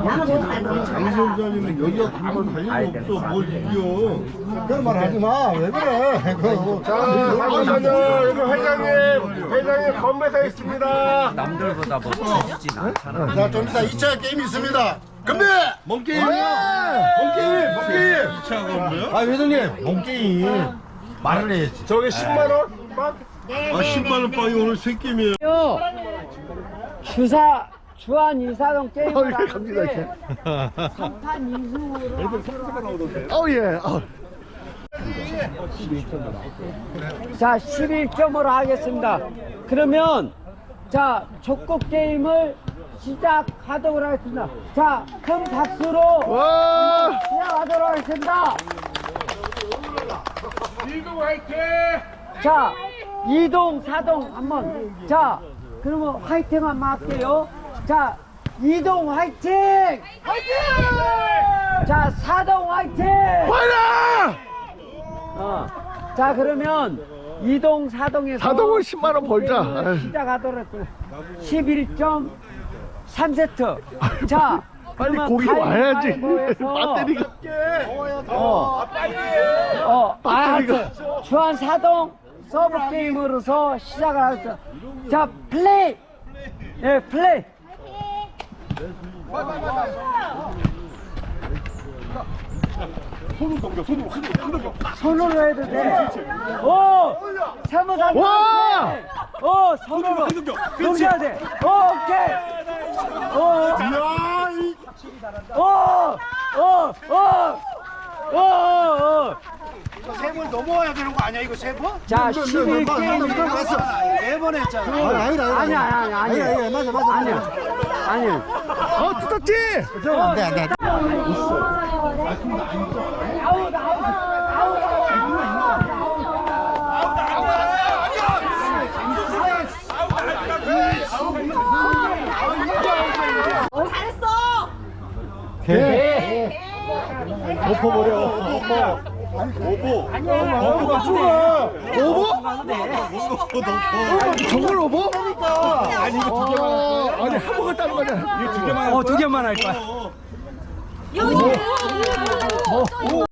장시호자님은 여기가 가면 달릴 수 없어. 뭘 이겨. 그런 말 하지 마. 왜 그래? 여기 회장님 건배사 있습니다. 남들보다 멋지진 않잖아. 자, 좀 이따 2차 게임 있습니다. 건배! 몸게임이요? 몸게임! 2차 건배요? 아, 회장님, 몸게임. 말을 해야지. 저게 10만원? 빵? 아 10만원 빵이 오늘 새 게임이에요. 주한 이사동 게임을 갑니다, 하는데 3판 2승으로 예. 자 11점으로 하겠습니다. 그러면 자 족구 게임을 시작하도록 하겠습니다. 자 큰 박수로 시작하도록 하겠습니다. 이동 화이팅! 자 2동 4동 한번 자 그러면 화이팅 한번 할게요. 자 2동 화이팅! 화이팅! 자 4동 화이팅! 자 그러면 2동 4동에서 4동은 10만원 벌자. 시작하도록 했고요. 11점 3세트. 자 빨리 그러면 고기 와야지. 가위바위보에서 배터리가. 알았어. 주한 4동 서브 게임으로서 시작을 하겠습니다. 자 플레이. 예 플레이. 손으로 해도 돼. 오! 세모상. 와! 오, 손으로. 넘겨야 돼. 오, 오케이. 오. 오. 세 번 넘어와야 되는 거 아니야, 이거 세 번? 자, 11게임. 네 번 했잖아. 아니야. 아니야. 뜯었지? 안 돼. 잘했어. 엎어버려. 오보가 좋아. 오버? 저걸 오버? 아니 이거 두 개만 아니, 한 번에 따는 거냐? 이거 두 개만 두 개만 할 거야. 여기